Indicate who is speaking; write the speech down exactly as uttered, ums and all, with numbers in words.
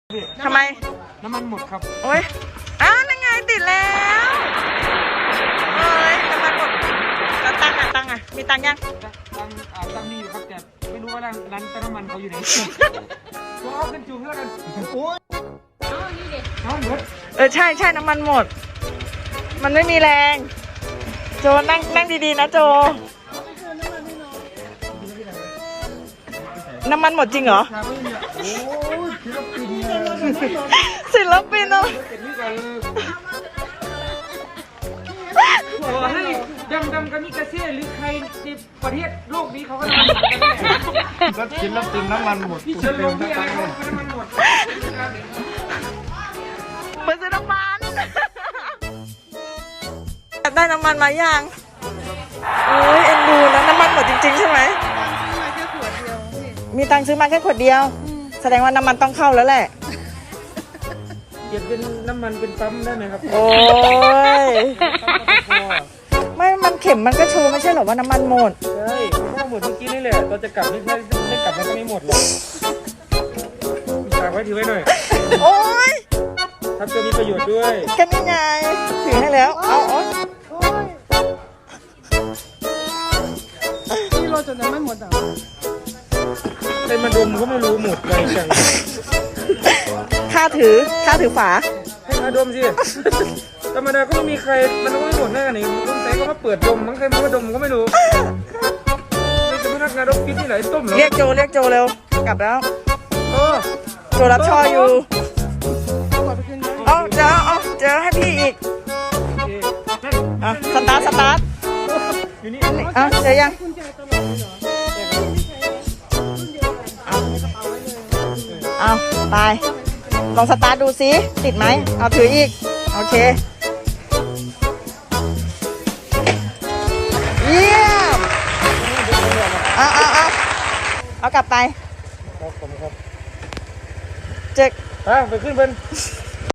Speaker 1: ทำไม
Speaker 2: น้ำมันหมดครับ
Speaker 1: โอ้ยอ้าวนั่นไงติดแล้วเอ้ยน้ำมันหมดแล้วตังค์อ่ะตังค์อ่ะมีตังค์ยัง
Speaker 2: ตังอ่าตังมีอยู่ครับแต่ไม่รู้ว่าร้านร้านเติมน้ำมันเขาอยู่ไหนก็เอากันจุ่มแล้วกันโอ้ยน้ำหมด
Speaker 1: เออใช่ใช่น้ำมันหมดมันไม่มีแรงโจนั่งนั่งดีๆนะโจน้ำมันหมดจริงเหรอ
Speaker 2: โอ้ยศิลปิน
Speaker 1: ศิลปินเนาะ
Speaker 2: โอ้ให้ดำดำกันนี่กระเซียหรือใครในประเทศโลกนี้เขาก็ทำกันแน่
Speaker 3: ก็ศิลปินน้ำมันหมด
Speaker 2: พี่เชิญลงที่อะไรเขาน้ำมันหมด
Speaker 1: มาซื้อน้ำมันได้น้ำมันมายังโอ้ยเอ็นดูนะน้ำมันหมดจริงๆใช่ไหมมีตังค์ซื้อมาแค่ขวดเดียวแสดงว่าน้ำมันต้องเข้าแล้วแหละ
Speaker 2: เก็บเป็นน้ำมันเป็นปั๊มได้ไหมครับ
Speaker 1: โอ้ยไม่มันเข็มมันก็โชว์ไม่ใช่หรอว่าน้ำมันหมด
Speaker 2: ใช่ก็หมดเมื่อกี้นี่แหละเราจะกลับไม่ใช่ไม่กลับมันก็ไม่หมดหรอกฝากไว้ถือไว้หน่อย
Speaker 1: โอ้ย
Speaker 2: ทำจะมีประโยชน์ด้วย
Speaker 1: แค่นี้ไงถือให้แล้วเอาอ๋อ
Speaker 4: ที่เราจะน้ำมันหมดอ่ะ
Speaker 2: เป็นมาดมก็ไม่รู้หมดเลยจัง
Speaker 1: ค่าถือค่าถือฝา
Speaker 2: ให้มาดมสิธรรมดาก็ไม่มีใครมันก็ไม่หมดแน่กันนี่ลุงใส่ก็มาเปิดดมมั้งใครมาดมก็ไม่รู้นี่จะพนักงานรถกินที่ไหนต้มเหรอ
Speaker 1: เรียกโจเรียกโจเร็วกลับแล้ว
Speaker 2: โอ้
Speaker 1: โจรับช่ออยู่เอาเจอเอาเจอให้พี่อีกอ่ะสตาร์ทสตาร์ท
Speaker 2: อยู่นี่
Speaker 1: อ่ะเจอยังเอาไปลองสตาร์ทดูซิติดไหมเอาถืออีกโอเคเยี่ยมเอาเอาเอาเอากลับไป
Speaker 2: ครับผมครับ
Speaker 1: เจ๊ก
Speaker 2: อ่ะไปขึ้นเป็น